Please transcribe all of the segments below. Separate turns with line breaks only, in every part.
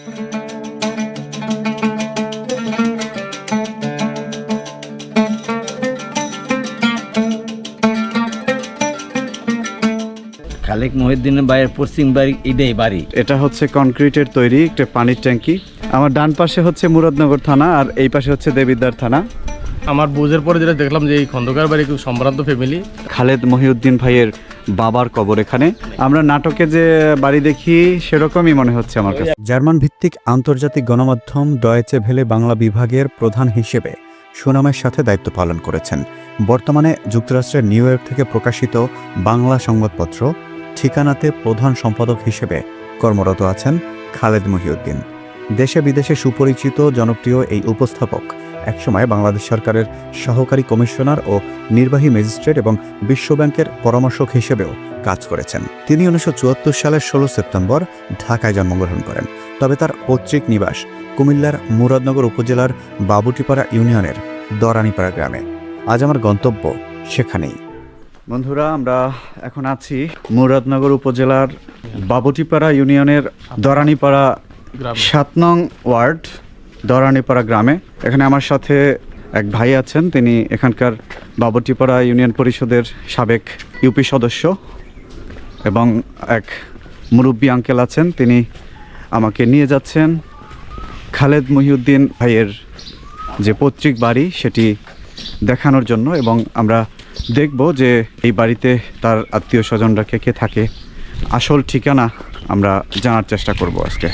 খালেক মহিউদ্দিনের বাড়ির পশ্চিম বাড়ি এটাই বাড়ি।
এটা হচ্ছে কনক্রিটের তৈরি একটা পানির ট্যাঙ্কি। আমার ডান পাশে হচ্ছে মুরাদনগর থানা আর এই পাশে হচ্ছে দেবিদ্বার থানা।
আমার বুঝের পরে যেটা দেখলাম যে এই খন্দকার বাড়ি খুব সম্ভ্রান্ত ফ্যামিলি।
খালেদ মহিউদ্দিন ভাইয়ের বাবার কবর এখানে। আমরা নাটকে যে বাড়ি দেখি সেরকমই মনে হচ্ছে আমার কাছে।
জার্মান ভিত্তিক আন্তর্জাতিক গণমাধ্যম ডয়েচে ভেলে বাংলা বিভাগের প্রধান হিসেবে সুনামের সাথে দায়িত্ব পালন করেছেন। বর্তমানে যুক্তরাষ্ট্রের নিউ ইয়র্ক থেকে প্রকাশিত বাংলা সংবাদপত্র ঠিকানাতে প্রধান সম্পাদক হিসেবে কর্মরত আছেন খালেদ মহিউদ্দিন। দেশে বিদেশে সুপরিচিত জনপ্রিয় এই উপস্থাপক একসময় বাংলাদেশ সরকারের সহকারী কমিশনার ও নির্বাহী ম্যাজিস্ট্রেট এবং বিশ্বব্যাংকের পরামর্শক হিসেবেও কাজ করেছেন। তিনি 1974 সালের 16 সেপ্টেম্বর ঢাকায় জন্মগ্রহণ করেন। তবে তার পৈতৃক নিবাস কুমিল্লার মুরাদনগর উপজেলার বাবুটিপাড়া ইউনিয়নের দরানিপাড়া গ্রামে। আজ আমার গন্তব্য সেখানেই।
বন্ধুরা, আমরা এখন আছি মুরাদনগর উপজেলার বাবুটিপাড়া ইউনিয়নের দরানিপাড়া 7 নং ওয়ার্ড দরানিপাড়া গ্রামে। এখানে আমার সাথে এক ভাই আছেন, তিনি এখানকার বাবুটিপাড়া ইউনিয়ন পরিষদের সাবেক ইউপি সদস্য, এবং এক মুরব্বী আঙ্কেল আছেন, তিনি আমাকে নিয়ে যাচ্ছেন খালেদ মহিউদ্দিন ভাইয়ের যে পৈতৃক বাড়ি সেটি দেখানোর জন্য। এবং আমরা দেখব যে এই বাড়িতে তার আত্মীয় স্বজনরা কে কে থাকে, আসল ঠিকানা আমরা জানার চেষ্টা করব আজকে।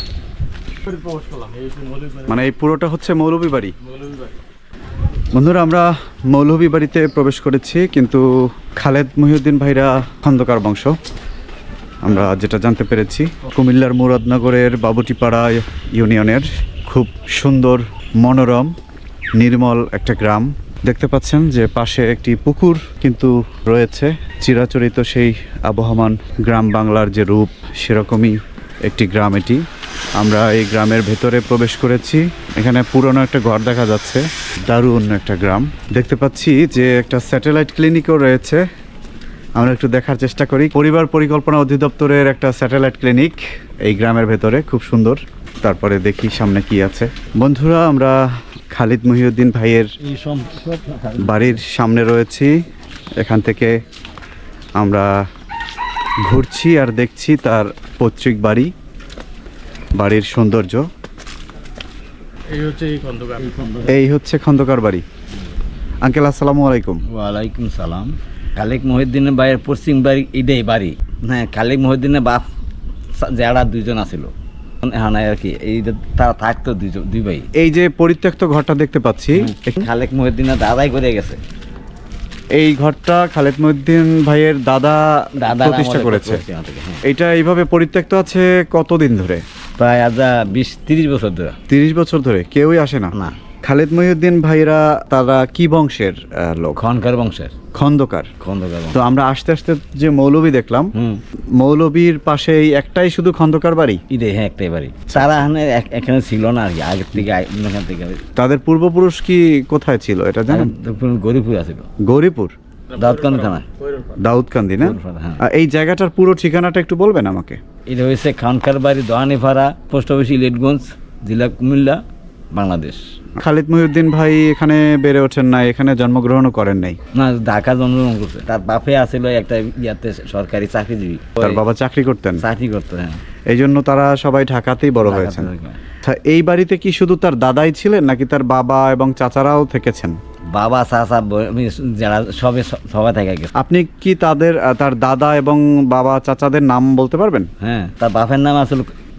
মানে এই পুরোটা হচ্ছে মৌলভী বাড়ি। বন্ধুরা, আমরা মৌলভী বাড়িতে প্রবেশ করেছি, কিন্তু খালেদ মহিউদ্দিন ভাইরা খন্দকার বংশ আমরা যেটা জানতে পেরেছি। কুমিল্লার মুরাদনগরের বাবুটিপাড়া ইউনিয়নের খুব সুন্দর মনোরম নির্মল একটা গ্রাম। দেখতে পাচ্ছেন যে পাশে একটি পুকুর কিন্তু রয়েছে। চিরাচরিত সেই আবহমান গ্রাম বাংলার যে রূপ, সেরকমই একটি গ্রাম এটি। আমরা এই গ্রামের ভেতরে প্রবেশ করেছি। এখানে পুরনো একটা ঘর দেখা যাচ্ছে। দারুণ একটা গ্রাম। দেখতে পাচ্ছি যে একটা স্যাটেলাইট ক্লিনিকও রয়েছে। আমরা একটু দেখার চেষ্টা করি। পরিবার পরিকল্পনা অধিদপ্তরের একটা স্যাটেলাইট ক্লিনিক এই গ্রামের ভেতরে, খুব সুন্দর। তারপরে দেখি সামনে কি আছে। বন্ধুরা, আমরা খালিদ মহিউদ্দিন ভাইয়ের বাড়ির সামনে রয়েছি। এখান থেকে আমরা ঘুরছি আর দেখছি তার পৈতৃক বাড়ি, বাড়ির সৌন্দর্য। এই হচ্ছে খন্দকার বাড়ি। আঙ্কেল, আসসালামু আলাইকুম।
ওয়ালাইকুম সালাম। খালেক মহিউদ্দিনের বাড়ির পশ্চিম বাড়ি এটাই বাড়ি। হ্যাঁ, খালেক মহিউদ্দিনের বাপ যারা দুইজন আছিল, হ্যাঁ আর কি, এই তারা থাকতো দুই ভাই।
এই যে পরিত্যক্ত ঘরটা দেখতে পাচ্ছি,
খালেক মহিউদ্দিনের দাদাই করে গেছে।
এই ঘরটা খালেদ মহিউদ্দিন ভাইয়ের দাদা প্রতিষ্ঠা করেছে। এটা এইভাবে পরিত্যক্ত আছে কতদিন ধরে?
প্রায় আজ 20-30 বছর ধরে।
30 বছর ধরে কেউই আসে না?
না।
খালেদ মহিউদ্দিন ভাইরা তারা কি বংশের লোক?
খনকার বংশের।
খন্দকার।
খন্দকার।
তো আমরা আস্তে আস্তে যে মৌলভী দেখলাম, মৌলভীর পাশে এই একটাই শুধু খন্দকার বাড়ি?
হ্যাঁ, একটাই বাড়ি। তারা এখানে ছিল না আর কি, আগের থেকে এখান থেকে।
তাদের পূর্বপুরুষ কি কোথায় ছিল এটা জানেন?
গৌরীপুর আছিল।
গৌরীপুর,
দাউদকান্দি থানা।
দাউদকান্দি না?
হ্যাঁ।
এই জায়গাটার পুরো ঠিকানাটা একটু বলবেন আমাকে?
এটা হয়েছে খানকার বাড়ি, দোহানিপাড়া, পোস্ট অফিস, ইলেটগঞ্জ, জেলা কুমিল্লা, বাংলাদেশ।
খালিদ মহিউদ্দিন ভাই এখানে বেড়ে ওঠেন নাই, এখানে জন্মগ্রহণও করেন নাই?
না, ঢাকা জন্মগ্রহণ করছে। তার বাপে আছিল একটা ইয়াতে সরকারি চাকরিজীবী।
তার বাবা চাকরি করতেন?
চাকরি করতো, হ্যাঁ।
এই জন্য তারা সবাই ঢাকাতেই বড় হয়েছেন। এই বাড়িতে কি শুধু তার দাদাই ছিলেন নাকি তার বাবা এবং চাচারাও থেকেছেন?
বাবা, চাচা, যারা সবাই থেকে গেছে।
আপনি কি তার দাদা এবং বাবা চাচাদের নাম বলতে পারবেন?
হ্যাঁ, তার বাপের নাম আসলে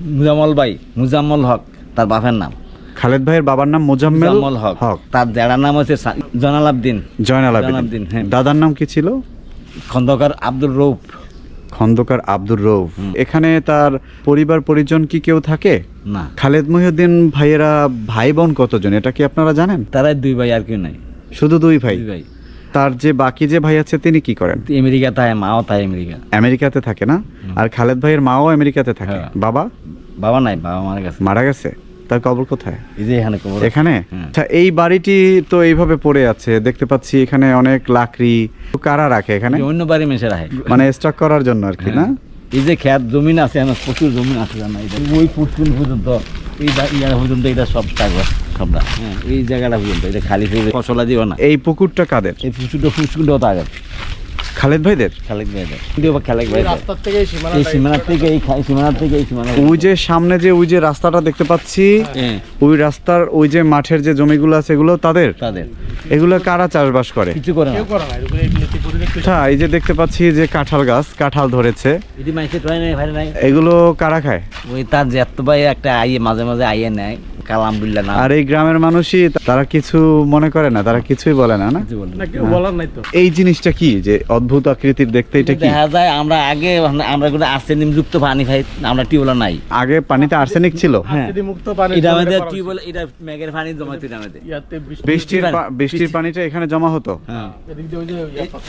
মুজাম্মল হক, তার বাপের নাম।
খালেদ ভাইয়ের বাবার নাম মুজাম্মেল হক।
তার দাদার নাম হচ্ছে জয়নাল আবদিন। হ্যাঁ।
দাদার নাম কি ছিল?
খন্দকার আব্দুর রৌফ।
খন্দকার আব্দুর রৌফ। এখানে তার পরিবার পরিজন কি কেউ থাকে?
না।
খালেদ মহিউদ্দিন ভাইয়েরা ভাই বোন কতজন এটা কি আপনারা জানেন?
তারাই 2 ভাই, আর কেউ নাই।
শুধু 2 ভাই? তার যে বাকি যে ভাই আছে তিনি কি করেন?
আমেরিকা থাকে, মাও থাকে
আমেরিকাতে থাকে না? আর খালেদ ভাইয়ের মাও আমেরিকাতে থাকে। বাবা
নাই, বাবা
মারা গেছে। তার কবর কোথায়?
এখানে।
আচ্ছা, এই বাড়িটি তো এইভাবে পড়ে আছে দেখতে পাচ্ছি। এখানে অনেক লাকড়ি কারা রাখে এখানে?
অন্য বাড়ি মেশে রাখে,
মানে স্টক করার জন্য আর কি, না?
এই যে খেত জমিন আছে, প্রচুর জমিন আছে, জানা ওই পুষ্কুল পর্যন্ত এই জায়গা পর্যন্ত এটা সব কাগজ সবটা, হ্যাঁ এই জায়গাটা পর্যন্ত এটা খালি ফসলা দিও না।
এই পুকুরটা কাদের?
এই ফুসকুটাও তো আগে
খালেদ ভাইদের?
খালেক ভাইদের, কিন্তু খালেক ভাই
রাস্তার থেকে
এই সীমানার থেকে এই সীমানার থেকে এই সীমানা।
ওই যে সামনে যে ওই যে রাস্তাটা দেখতে পাচ্ছি,
হ্যাঁ
ওই রাস্তার ওই যে মাঠের যে জমিগুলো আছে এগুলো তাদের?
তাদের
এগুলো কারা চাষবাস করে?
কিছু করে না।
কেউ করে না, এরকম এই নীতি পরিবেশ তৈরি-
আচ্ছা, এই যে দেখতে পাচ্ছি যে কাঁঠাল গাছ, কাঁঠাল ধরেছে,
এটি মাইসে টয় নাই ভাই নাই,
এগুলো কারা খায়?
ওই তার জ্যাঠ ভাই একটা আইয়ে মাঝে মাঝে আইয়ে নেয়, কালামদুল্লাহ না
আর এই গ্রামের মানুষই তারা কিছু মনে করে না, তারা কিছুই বলে না, না?
কিছু বলে না।
না, কেউ বলার নাই তো।
এই জিনিসটা কি যে অদ্ভুত আকৃতির দেখতে, এটা কি?
দেখা যায় আমরা আগে আমরা কোনো আর্সেনিক যুক্ত পানি খাই, আমরা টিউবওয়েল নাই।
আগে পানিতে আর্সেনিক ছিল?
হ্যাঁ।
যদি মুক্ত পানি
এটা আমাদের
করা
টিউবওয়েল, এটা মেঘের পানি জমাইতে আমাদের।
ইয়াতে বৃষ্টি-
বৃষ্টির পানিটা এখানে জমা হতো?
হ্যাঁ
এদিক দিয়ে ওই যে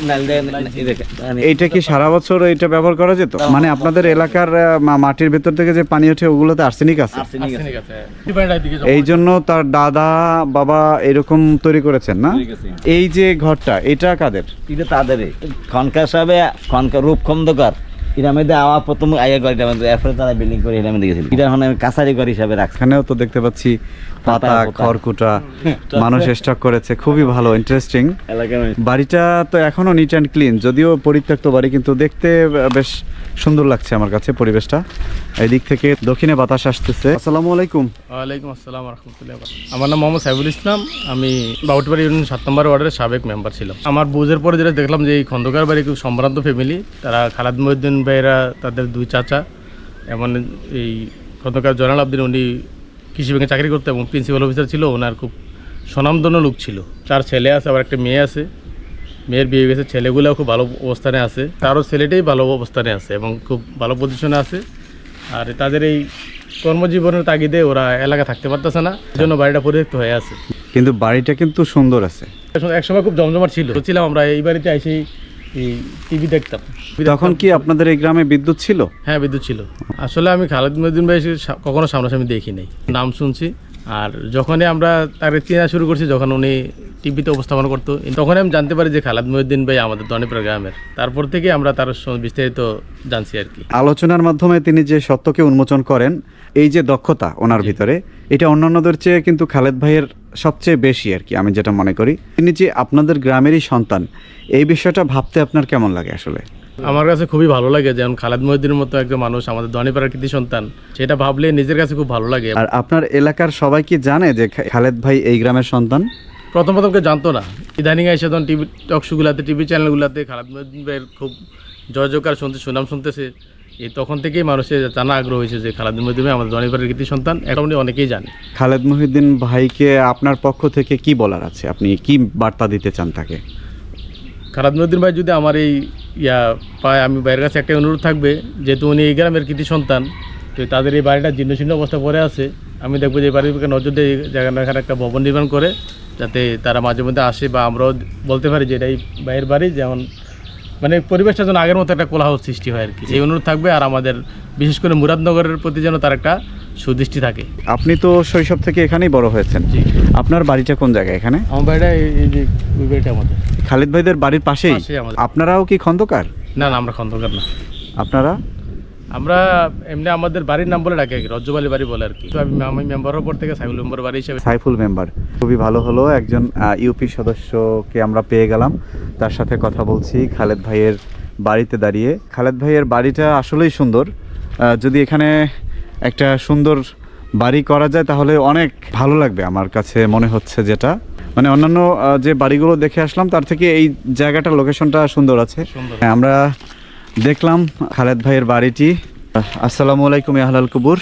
এইটা কি সারা বছর এটা ব্যবহার করা যেত? মানে আপনাদের এলাকার মাটির ভেতর থেকে যে পানি ওঠে ওগুলোতে আর্সেনিক আছে,
আর্সেনিক আছে।
আর্সেনিক আছে। এই পানিটা এদিকে জমা
এই জন্য তার দাদা বাবা এরকম তৈরি করেছেন, না?
তৈরি করেছে।
এই যে ঘরটা, এটা কাদের?
এটা তাদের খনকার সাহেব, খনকার রূপ খন্দকার, এটা আমাদের আওয়া প্রথম আয়া ঘর, এটা আমাদের এরপরে তারা বিল্ডিং করে এটা আমাদের গেছিল। এটা এখন আমি কাছারি ঘর হিসাবে রাখছি।
এখানেও তো দেখতে পাচ্ছি পাতা,
পাতা,
খড়কুটা মানুষ স্টক করেছে, খুবই ভালো, ইন্টারেস্টিং।
এলাকার
বাড়িটা তো এখনো নিট অ্যান্ড ক্লিন, যদিও পরিত্যক্ত বাড়ি, কিন্তু দেখতে বেশ সুন্দর লাগছে আমার কাছে পরিবেশটা। এই দিক থেকে দক্ষিণে বাতাস আসতেছে। আসসালামু আলাইকুম।
ওয়ালাইকুম আসসালাম রহমতুল্লাহ। আমার নাম মোহাম্মদ সাইফুল ইসলাম, আমি বাউটবাড়ি ইউনিয়ন ৭ নম্বর ওয়ার্ডের সাবেক মেম্বার ছিলাম। আমার বুঝের পরে যেটা দেখলাম যে এই খন্দকার বাড়ি খুব সম্ভ্রান্ত ফ্যামিলি, তারা খালাদ মহিউদ্দিন ভাইয়েরা, তাদের দুই চাচা, এমন এই খন্দকার জয়নাল আবদিন, উনি কৃষি ব্যাংকে চাকরি করতো এবং প্রিন্সিপাল অফিসার ছিল, ওনার খুব স্বনামধন্য লোক ছিল। 4 ছেলে আছে, আবার একটা মেয়ে আছে, মেয়ের বিয়ে গেছে, ছেলেগুলোও খুব ভালো অবস্থানে আছে, তারও ছেলেটাই ভালো অবস্থানে আছে এবং খুব ভালো পজিশনে আছে। আর তাদের এই কর্মজীবনের তাগিদে ওরা এলাকা থাকতে পারতেছে না, এই জন্য বাড়িটা পরিত্যক্ত হয়ে আছে।
কিন্তু বাড়িটা কিন্তু সুন্দর আছে।
একসময় খুব জমজমাট ছিল, ছিলাম আমরা এই বাড়িতে এসেই এই টিভি দেখতাম।
তখন কি আপনাদের এই গ্রামে বিদ্যুৎ ছিল?
হ্যাঁ, বিদ্যুৎ ছিল। আসলে আমি খালেদ মহিউদ্দিন ভাই কখনো সামনাসামনি দেখি নাই, নাম শুনছি। আর যখনই আমরা তাকে চেনা শুরু করছি, যখন উনি টিভিতে উপস্থাপন করতো, তখনই আমি জানতে পারি যে খালেদ মহিউদ্দিন ভাই আমাদের দনিপাড়া গ্রামের। তারপর থেকে আমরা তার বিস্তারিত জানছি আর কি।
আলোচনার মাধ্যমে তিনি যে সত্যকে উন্মোচন করেন, এই যে দক্ষতা ওনার ভিতরে, এটা অন্যান্যদের চেয়ে কিন্তু খালেদ ভাইয়ের সবচেয়ে বেশি আর কি, আমি যেটা মনে করি। তিনি যে আপনাদের গ্রামেরই সন্তান, এই বিষয়টা ভাবতে আপনার কেমন লাগে আসলে?
আমার কাছে খুবই ভালো লাগে, যেমন খালেদ মহিউদ্দিনের মতো একজন মানুষ আমাদের দনিপাড়ার কৃতি সন্তান, সেটা ভাবলে নিজের কাছে খুব ভালো লাগে।
আর আপনার এলাকার সবাই কি জানে যে খালেদ ভাই এই গ্রামের সন্তান?
প্রথম কেউ জানতো না, ইদানিং এসে তখন টিভি টকশোগুলাতে, টিভি চ্যানেলগুলোতে খালেদ মহিউদ্দিন ভাইয়ের খুব জয় জয়কার শুনতে, সুনাম শুনতেছে। এই তখন থেকেই মানুষের জানা আগ্রহ হয়েছে যে খালেদ মহিউদ্দিন ভাই আমাদের দনিপাড়ার কৃতি সন্তান, এটা উনি অনেকেই জানে।
খালেদ মহিউদ্দিন ভাইকে আপনার পক্ষ থেকে কি বলার আছে? আপনি কি বার্তা দিতে চান তাকে?
খালেদ মহিউদ্দিন ভাই যদি আমার এই পায়, আমি ভাইয়ের কাছে একটা অনুরোধ থাকবে, যেহেতু উনি এই গ্রামের কৃতি সন্তান, তো তাদের এই বাড়িটা জীর্ণশীর্ণ অবস্থা পড়ে আছে, আমি দেখবো যে এই বাড়ির নজর দিয়ে জায়গাটা এখানে একটা ভবন নির্মাণ করে, যাতে তারা মাঝে মধ্যে আসে বা আমরাও বলতে পারি যে এটা এই ভাইয়ের বাড়ি, যেমন মানে পরিবেশটা যেন আগের মতো একটা কোলাহল সৃষ্টি হয় আর কি, এই অনুরোধ থাকবে। আর আমাদের বিশেষ করে মুরাদনগরের প্রতি যেন তার একটা সুদৃষ্টি থাকে।
আপনি তো শৈশব থেকে এখানেই বড় হয়েছেন।
জি।
আপনার বাড়িটা কোন জায়গায় এখানে?
আমার বাড়িটা এই যে ওই বাড়িটা আমাদের
খালেদ ভাইদের বাড়ির পাশেই?
পাশেই আমাদের।
আপনারাও কি খন্দকার?
না, আমরা খন্দকার না,
আপনারা?
আমরা এমনি আমাদের বাড়ির নাম বলে ডাকি আর কি, রজ্জবালি বাড়ি বলে আর কি। তো আমি মেম্বার হওয়ার পর থেকে সাইফুল মেম্বার বাড়ি হিসেবে।
সাইফুল মেম্বার, খুবই ভালো হলো, একজন ইউপি সদস্যকে আমরা পেয়ে গেলাম, তার সাথে কথা বলছি খালেদ ভাইয়ের বাড়িতে দাঁড়িয়ে। খালেদ ভাইয়ের বাড়িটা আসলেই সুন্দর। যদি এখানে একটা সুন্দর বাড়ি করা যায় তাহলে অনেক ভালো লাগবে আমার কাছে মনে হচ্ছে, যেটা মানে অন্যান্য যে বাড়িগুলো দেখে আসলাম তার থেকে এই জায়গাটার লোকেশনটা সুন্দর আছে।
সুন্দর।
হ্যাঁ, আমরা দেখলাম খালেদ ভাইয়ের বাড়িটি। আসসালামু আলাইকুম আহলাল কুবুর।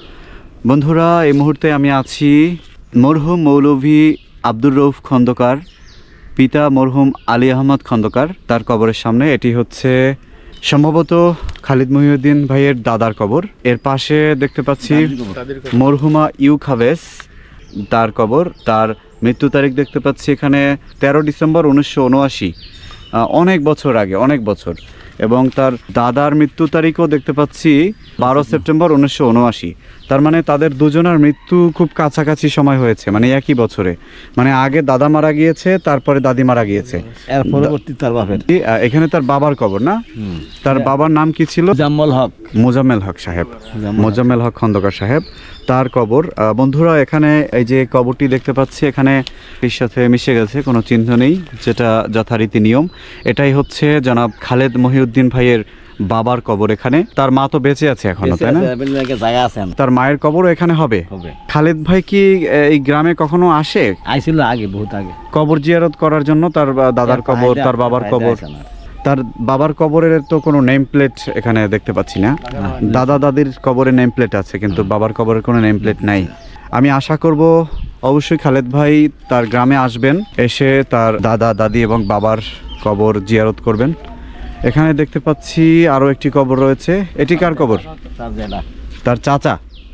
বন্ধুরা, এই মুহূর্তে আমি আছি মরহুম মৌলভী আব্দুর রউফ খন্দকার, পিতা মরহুম আলী আহমদ খন্দকার, তার কবরের সামনে। এটি হচ্ছে সম্ভবত খালিদ মহিউদ্দিন ভাইয়ের দাদার কবর। এর পাশে দেখতে পাচ্ছি মরহুমা ইউ খাবেস, তার কবর। তার মৃত্যু তারিখ দেখতে পাচ্ছি এখানে 13 ডিসেম্বর 1979, অনেক বছর আগে, অনেক বছর। এবং তার দাদার মৃত্যু তারিখও দেখতে পাচ্ছি 12 সেপ্টেম্বর 1979। তার মানে তাদের দুজনের মৃত্যু খুব কাছাকাছি সময় হয়েছে, মানে একই বছরে। মানে আগে দাদা মারা গিয়েছে, তারপরে দাদি মারা গিয়েছে।
এর পরবর্তী তার বাপের
এখানে তার বাবার কবর না? তার বাবার নাম কি ছিল?
জাম্মল হক।
মোজাম্মেল হক সাহেব, মোজাম্মেল হক খন্দকার সাহেব, তার কবর। বন্ধুরা, এখানে এই যে কবরটি দেখতে পাচ্ছি, এখানে এর সাথে মিশে গেছে, কোনো চিহ্ন নেই, যেটা যথারীতি নিয়ম। এটাই হচ্ছে জনাব খালেদ মহিউদ্দিন ভাইয়ের বাবার কবর এখানে। তার মা তো বেঁচে আছে এখনো, তাই না?
জায়গা আছে
তার মায়ের কবরও এখানে হবে।
হবে।
খালেদ ভাই কি এই গ্রামে কখনো আসে?
আইছিল আগে, বহুত আগে,
কবর জিয়ারত করার জন্য? তার দাদার কবর, তার বাবার কবর। তার বাবার কবরের তো কোনো নেম প্লেট এখানে দেখতে পাচ্ছি না। দাদা দাদির কবরে নেম প্লেট আছে, কিন্তু বাবার কবরের কোনো নেম প্লেট নাই। আমি আশা করব অবশ্যই খালেদ ভাই তার গ্রামে আসবেন, এসে তার দাদা দাদি এবং বাবার কবর জিয়ারত করবেন। এখানে দেখতে পাচ্ছি আরও একটি কবর রয়েছে। এটি কার কবর? তার চাচা।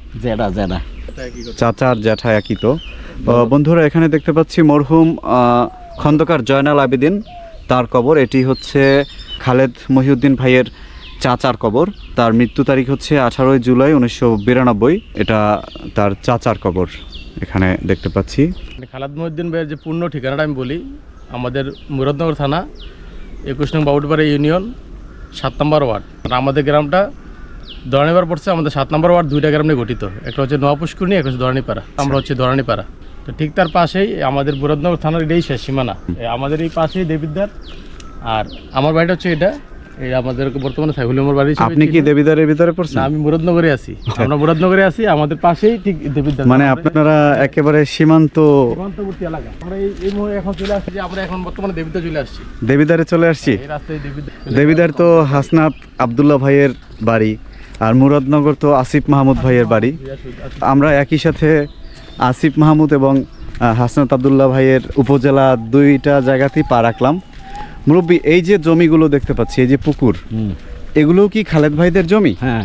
চাচা আর জ্যাঠা একই তো। বন্ধুরা, এখানে দেখতে পাচ্ছি মরহুম খন্দকার জয়নাল আবেদিন, তার কবর। এটি হচ্ছে খালেদ মহিউদ্দিন ভাইয়ের চাচার কবর। তার মৃত্যু তারিখ হচ্ছে 18 জুলাই 1992। এটা তার চাচার কবর এখানে দেখতে পাচ্ছি।
খালেদ মহিউদ্দিন ভাইয়ের যে পূর্ণ ঠিকানাটা আমি বলি, আমাদের মুরাদনগর থানা 21 নং বাউটবাড়ি ইউনিয়ন 7 নম্বর ওয়ার্ড। আর আমাদের গ্রামটা দরানিপাড়া পড়ছে। আমাদের 7 নম্বর ওয়ার্ড 2টা গ্রাম নিয়ে গঠিত, একটা হচ্ছে নোয়াপুষ্কুরনি, একটা হচ্ছে দরানিপাড়া। আমরা হচ্ছে দরানিপাড়া। তো ঠিক তার পাশেই আমাদের মুরাদনগর থানার এটাই শেষ সীমানা। আমাদের এই পাশেই দেবিদ্বার। আর আমার বাড়িটা হচ্ছে এটা, এই আমাদের বর্তমানে সাইফুল আমার বাড়ি।
আপনি কি দেবিদ্বারের ভিতরে পড়ছেন?
না, আমি মুরাদনগরে আছি। আমরা মুরাদনগরে আছি, আমাদের পাশেই ঠিক দেবিদ্বার।
মানে আপনারা একেবারে
সীমান্তবর্তী এলাকা। আমরা এই এখন চলে আসছি, যে আমরা এখন বর্তমানে দেবিদ্বার চলে আসছি।
দেবিদ্বারে চলে আসছি।
এই রাস্তায়
দেবিদ্বার তো হাসনাত আব্দুল্লাহ ভাইয়ের বাড়ি, আর মুরাদনগর তো আসিফ মাহমুদ ভাইয়ের বাড়ি। আমরা একই সাথে আসিফ মাহমুদ এবং হাসনাত আব্দুল্লাহ ভাইয়ের উপজেলা দুইটা জায়গাতেই পা রাখলাম। মুরব্বী, এই যে জমিগুলো দেখতে পাচ্ছি, এই যে পুকুর, এগুলো কি খালেদ ভাইদের জমি?
হ্যাঁ,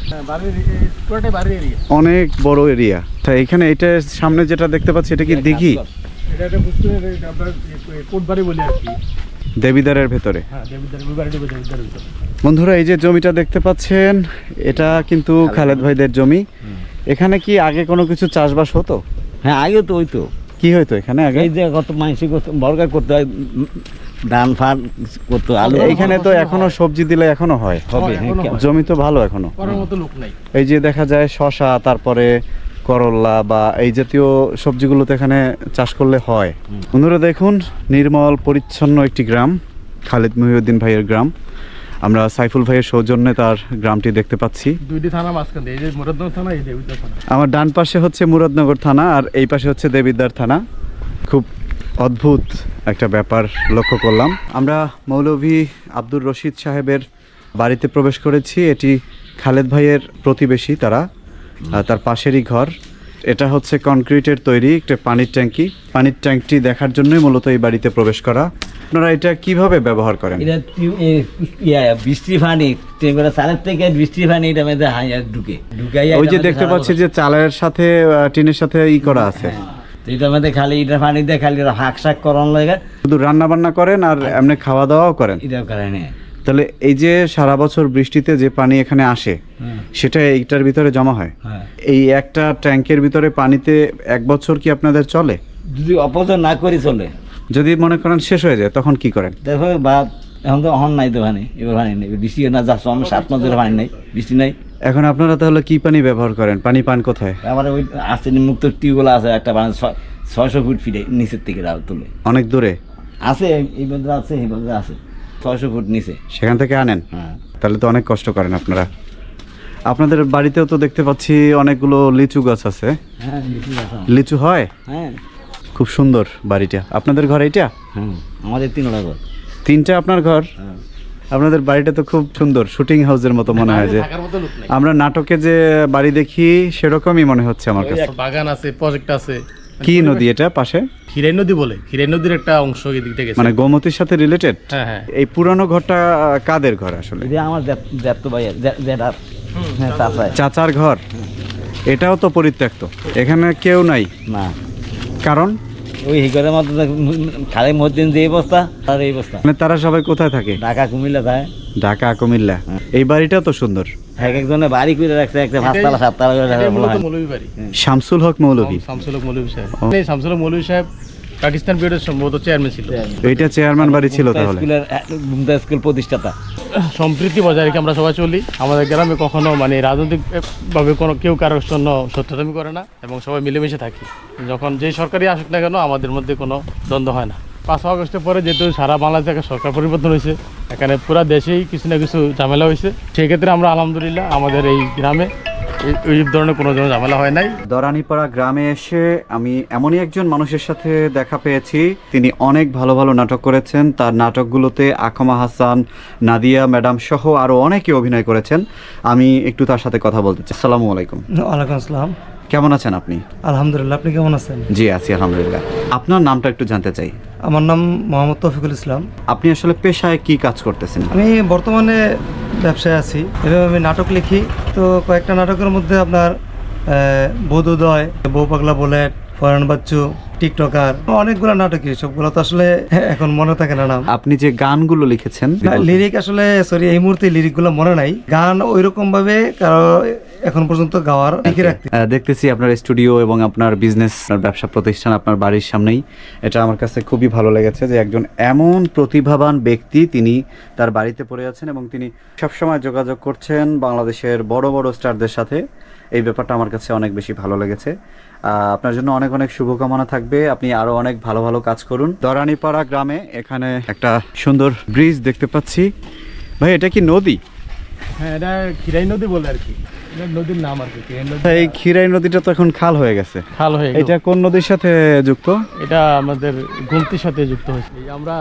অনেক বড় এরিয়া। তা এখানে এটা সামনে যেটা দেখতে পাচ্ছি, এটা কি দিঘি? দেবিদ্বারের ভেতরে। বন্ধুরা, এই যে জমিটা দেখতে পাচ্ছেন, এটা কিন্তু খালেদ ভাইদের জমি। এখানে কি আগে কোনো কিছু চাষবাস হতো?
হ্যাঁ, আগে তো হইতো।
কি হইতো এখানে আগে?
এই যে কত মাইসি বর্গা করতে হয়, ধান ফান করতো, আলু।
এখানে তো এখনো সবজি দিলে এখনো হয়,
হবে।
জমি তো ভালো এখনো। এই যে দেখা যায় শশা, তারপরে করল্লা বা এই জাতীয় সবজিগুলো তো এখানে চাষ করলে হয়। বন্ধুরা দেখুন, নির্মল পরিচ্ছন্ন একটি গ্রাম, খালেদ মহিউদ্দিন ভাইয়ের গ্রাম। আমরা সাইফুল ভাইয়ের সৌজন্যে তার গ্রামটি দেখতে পাচ্ছি।
দুইটি থানা মাঝখানে, এই যে মুরাদনগর থানা, এই দেবিদ্বার থানা।
আমার ডান পাশে হচ্ছে মুরাদনগর থানা, আর এই পাশে হচ্ছে দেবিদ্বার থানা। খুব অদ্ভুত একটা ব্যাপার লক্ষ্য করলাম। আমরা মৌলভী আব্দুর রশিদ সাহেবের বাড়িতে প্রবেশ করেছি। এটি খালেদ ভাইয়ের প্রতিবেশী, তারা তার পাশেরই ঘর। এটা হচ্ছে কনক্রিটের তৈরি একটা পানির ট্যাঙ্কি। পানির ট্যাঙ্কটি দেখার জন্যই মূলত এই বাড়িতে প্রবেশ করা। আপনারা এটা কিভাবে ব্যবহার করেন?
এটা বৃষ্টি পানি, চালের থেকে বৃষ্টি পানি এটা মধ্যে ঢুকে।
ওই যে দেখতে পাচ্ছি যে চালের সাথে টিনের সাথে করা আছে।
এটার মধ্যে খালি এটার পানি দিয়ে খালি হাঁক শাক করানো লাগে।
শুধু রান্না বান্না করেন আর এমনি খাওয়া দাওয়াও করেন?
এটাও করেন।
তাহলে এই যে সারা বছর বৃষ্টিতে যে পানি এখানে আসে, সেটা এইটার ভিতরে জমা হয়? এই একটা ট্যাঙ্কের ভিতরে পানিতে 1 বছর কি আপনাদের চলে?
যদি অপচয় না করি চলে।
যদি মনে করেন শেষ হয়ে যায়, তখন কি করেন?
দেখো বা এখন তো অহন নাই তো পানি, এবার পানি নেই, বৃষ্টি না যাচ্ছে, 7 মাস ধরে পানি নেই, বৃষ্টি নাই।
এখন আপনারা তাহলে কি পানি ব্যবহার করেন? পানি পান কোথায়?
আমার ওই আর্সেনিক মুক্ত টিউবওয়েল আছে একটা, 600 ফুট ফিটে নিচের থেকে তুলে।
অনেক দূরে
আছে, এই বন্ধু আছে, এই বন্ধু আছে 600 ফুট নিচে,
সেখান থেকে আনেন।
হ্যাঁ,
তাহলে তো অনেক কষ্ট করেন আপনারা। আপনাদের বাড়িতেও তো দেখতে পাচ্ছি অনেকগুলো লিচু গাছ আছে।
হ্যাঁ,
লিচু হয়?
হ্যাঁ,
খুব সুন্দর বাড়িটা। আপনাদের ঘর এইটা?
হ্যাঁ, আমাদের 3টা ঘর।
3টা আপনার ঘর? আপনাদের বাড়িটা তো খুব সুন্দর, শুটিং হাউসের মতো মনে হয়। যে আমরা নাটকে যে বাড়ি দেখি সেরকমই মনে হচ্ছে আমার কাছে।
বাগান আছে, প্রজেক্ট আছে।
কি নদী এটা পাশে?
খিরাই নদী বলে, খিরাই নদীর একটা অংশ এদিক থেকে,
মানে গোমতীর সাথে রিলেটেড।
হ্যাঁ হ্যাঁ।
এই পুরানো ঘরটা কাদের ঘর আসলে?
এটা আমার জ্যাঠতো ভাইয়ের, জ্যাঠার, হ্যাঁ,
চাচার ঘর। এটাও তো পরিত্যক্ত, এখানে কেউ নাই
না।
কারণ
ওই ঘরের মধ্যে খালি মধ্যে যে অবস্থা, আর এই অবস্থা।
মানে তারা সবাই কোথায় থাকে?
ঢাকা কুমিল্লা থাকে।
ঢাকা কুমিল্লা। এই বাড়িটা তো সুন্দর।
এক একজনে বাড়ি করে রাখছে, একটা 5 তালা 7 তালা করে
এটাই
রাখা
মূলত
হয়।
মৌলভী বাড়ি।
শামসুল হক মৌলভী।
শামসুল হক মৌলভী সাহেব। এই শামসুল হক মৌলভী সাহেব পাকিস্তান পিরিয়ডের সম্ভবত চেয়ারম্যান ছিল।
এইটা চেয়ারম্যান বাড়ি ছিল তাহলে।
গুমতা স্কুল প্রতিষ্ঠাতা।
সম্প্রীতি বজায় রেখে আমরা সবাই চলি। আমাদের গ্রামে কখনো মানে রাজনৈতিকভাবে কোনো কেউ কারোর জন্য সত্যতামি করে না এবং সবাই মিলেমিশে থাকি। যখন যেই সরকারই আসুক না কেন আমাদের মধ্যে কোনো দ্বন্দ্ব হয় না। 5 আগস্টের পরে যেহেতু সারা বাংলাদেশে একটা সরকার পরিবর্তন হয়েছে, এখানে পুরো দেশেই কিছু না কিছু ঝামেলা হয়েছে, সেই ক্ষেত্রে আমরা আলহামদুলিল্লাহ আমাদের এই গ্রামে এই ধরনের কোনো ঝামেলা হয় নাই।
দরানিপাড়া গ্রামে এসে আমি এমনই একজন মানুষের সাথে দেখা পেয়েছি, তিনি অনেক ভালো ভালো নাটক করেছেন। তার নাটকগুলোতে আকমা হাসান, নাদিয়া ম্যাডাম সহ আরও অনেকে অভিনয় করেছেন। আমি একটু তার সাথে কথা বলতে চাই। আসসালামু আলাইকুম।
ওয়ালাইকুম আসসালাম।
কেমন আছেন আপনি?
আলহামদুলিল্লাহ, আপনি কেমন আছেন?
জি আছি আলহামদুলিল্লাহ। আপনার নামটা একটু জানতে চাই।
আমার নাম মোহাম্মদ তৌফিকুল ইসলাম।
আপনি আসলে পেশায় কি কাজ করতেছেন?
আমি বর্তমানে ব্যবসায় আছি, এভাবে আমি নাটক লিখি। তো কয়েকটা নাটকের মধ্যে আপনার বোধোদয়, বউ পাগলা বুলেট, ফরেন বাচ্চু, টিকটকার, অনেকগুলো নাটকই, সবগুলো তো আসলে এখন মনে থাকে না নাম।
আপনি যে গানগুলো লিখেছেন,
লিরিক আসলে সরি এই মুহূর্তে লিরিকগুলো মনে নাই। গান ওইরকম ভাবে কারো এখন পর্যন্ত গাওয়ার লিখে রাখতে।
দেখতেছি আপনার স্টুডিও এবং আপনার বিজনেস, ব্যবসা প্রতিষ্ঠান আপনার বাড়ির সামনেই। এটা আমার কাছে খুবই ভালো লেগেছে যে একজন এমন প্রতিভাবান ব্যক্তি তিনি তার বাড়িতে পড়ে আছেন এবং তিনি সবসময় যোগাযোগ করছেন বাংলাদেশের বড় বড় স্টারদের সাথে। এই ব্যাপারটা আমার কাছে অনেক বেশি ভালো লেগেছে। আপনার জন্য অনেক অনেক শুভকামনা থাকবে। আপনি আরো অনেক ভালো ভালো কাজ করুন। দরানিপাড়া গ্রামে এখানে একটা সুন্দর ব্রিজ দেখতে পাচ্ছি। ভাই এটা কি নদী?
হ্যাঁ, এটা খিরাই নদী বলে আর কি, এটা নদীর নাম আর কি। খিরাই নদী,
এই খিরাই নদীটা তো এখন খাল হয়ে গেছে।
খাল হয়ে গেল।
এটা কোন নদীর সাথে যুক্ত?
এটা আমাদের গোমতির সাথে যুক্ত হয়েছে। এই আমরা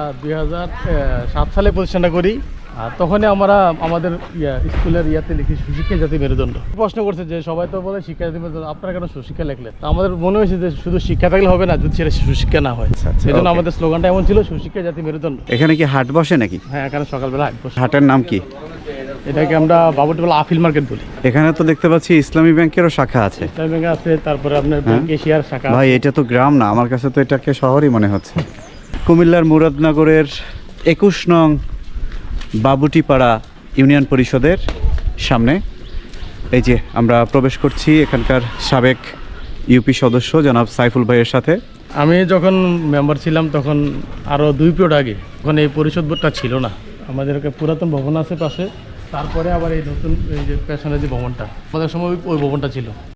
2007 সালে প্রতিষ্ঠানটা করি, আর তখনই আমরা আমাদের স্কুলের ইয়াতে লিখি সুশিক্ষা জাতি মেরুদণ্ড। প্রশ্ন করছে যে সবাই তো বলে শিক্ষা জাতি মেরুদণ্ড, আপনারা কেন সুশিক্ষা লিখলেন? তো আমাদের মনে হয়েছে যে শুধু শিক্ষা থাকলে হবে না যদি সেটা সুশিক্ষা না হয়।
আচ্ছা,
সেই জন্য
okay.
আমাদের স্লোগানটা এমন ছিল, সুশিক্ষা জাতি মেরুদণ্ড।
এখানে কি হাট বসে নাকি?
হ্যাঁ, এখানে সকালবেলা হাট বসে।
হাটের নাম কি?
এটাকে আমরা বাবুটিবেলা আফিল মার্কেট বলি।
এখানে তো দেখতে পাচ্ছি ইসলামী ব্যাংকেরও শাখা আছে।
ইসলামী ব্যাংক আছে, তারপরে আপনার ব্যাংক এশিয়ার শাখা।
ভাই এটা তো গ্রাম না, আমার কাছে তো এটাকে শহরই মনে হচ্ছে। কুমিল্লার মুরাদনগরের 21 নং বাবুটিপাড়া ইউনিয়ন পরিষদের সামনে এই যে আমরা প্রবেশ করছি এখানকার সাবেক ইউপি সদস্য জনাব সাইফুল ভাইয়ের সাথে।
আমি যখন মেম্বার ছিলাম তখন আরও 2 পিরিয়ড আগে, তখন এই পরিষদ বোর্ডটা ছিল না। আমাদের একটা পুরাতন ভবন আছে পাশে, তারপরে আবার এই নতুন এই যে পেছনে যে ভবনটা, আমাদের সময় ওই ভবনটা ছিল।